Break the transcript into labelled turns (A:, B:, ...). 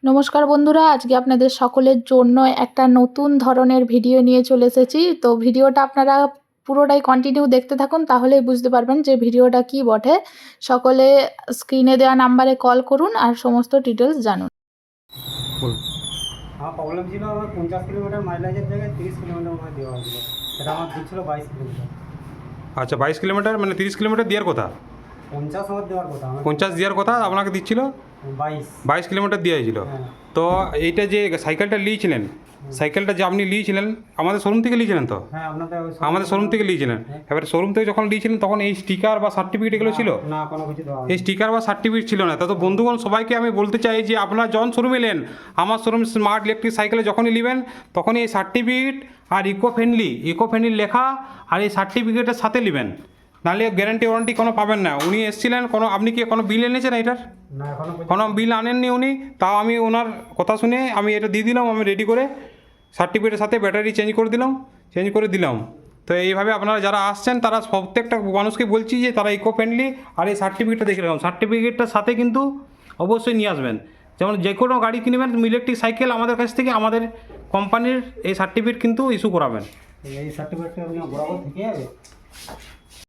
A: নমস্কার বন্ধুরা, আজকে আপনাদের সকলের জন্য একটা নতুন ধরনের ভিডিও নিয়ে চলে এসেছি। তো ভিডিওটা আপনারা পুরোটাই কন্টিনিউ দেখতে থাকুন, তাহলেই বুঝতে পারবেন যে ভিডিওটা কি বটে। সকলে স্ক্রিনে দেওয়া নাম্বারে কল করুন আর সমস্ত ডিটেলস জানুন।
B: আমার প্রবলেম ছিল, আমার 50 কিলোমিটার মাইলেজের জায়গায় 30 কিলোমিটার আমার দেওয়া হয়েছিল। সেটা আমার দিচ্ছিল 22 কিলোমিটার।
C: আচ্ছা, 22 কিলোমিটার মানে 30 কিলোমিটার দেওয়ার কথা,
B: 50 আমার দেওয়ার কথা, আমার
C: 50 দেওয়ার কথা আপনাকে দিচ্ছিল 22 কিলোমিটার দেওয়া হয়েছিল।
B: হ্যাঁ।
C: তো এইটা যে সাইকেলটা নিয়েছিলেন, সাইকেলটা যে আপনি নিয়েছিলেন আমাদের শোরুম থেকে নিয়েছিলেন তো?
B: হ্যাঁ, আপনাদের
C: আমাদের শোরুম থেকে নিয়েছিলেন। এবারে শোরুম থেকে যখন নিয়েছিলেন তখন এই স্টিকার বা সার্টিফিকেট এগুলো ছিল?
B: না, কোনো কিছু দেওয়া
C: এই স্টিকার বা সার্টিফিকেট ছিল না। তা তো বন্ধুগণ সবাইকে আমি বলতে চাই যে আপনারা যখন শোরুমে এলেন, আমার শোরুম স্মার্ট ইলেকট্রিক সাইকেলে যখনই নেবেন তখনই এই সার্টিফিকেট আর ইকো ফ্রেন্ডলি লেখা আর এই সার্টিফিকেটের সাথে নেবেন, নাহলে গ্যারান্টি ওয়ারেন্টি কোনো পাবেন না। উনি এসেছিলেন, আপনি কি কোনো বিল এনেছেন এটার?
B: না, এখনো
C: কোনো বিল আনেননি উনি, তাও আমি ওনার কথা শুনে আমি এটা দিয়ে দিলাম, আমি রেডি করে সার্টিফিকেটের সাথে ব্যাটারি চেঞ্জ করে দিলাম। তো এইভাবে আপনারা যারা আসছেন তারা প্রত্যেকটা মানুষকে বলছি যে তারা ইকো ফ্রেন্ডলি আর এই সার্টিফিকেটটা দেখে রাখুন। সার্টিফিকেটটার সাথে কিন্তু অবশ্যই নিয়ে আসবেন। যেমন যে কোনো গাড়ি কিনবেন ইলেকট্রিক সাইকেল আমাদের কাছ থেকে, আমাদের কোম্পানির এই সার্টিফিকেট কিন্তু ইস্যু করাবেন।
B: এই সার্টিফিকেটটা বরাবর থেকে যাবে।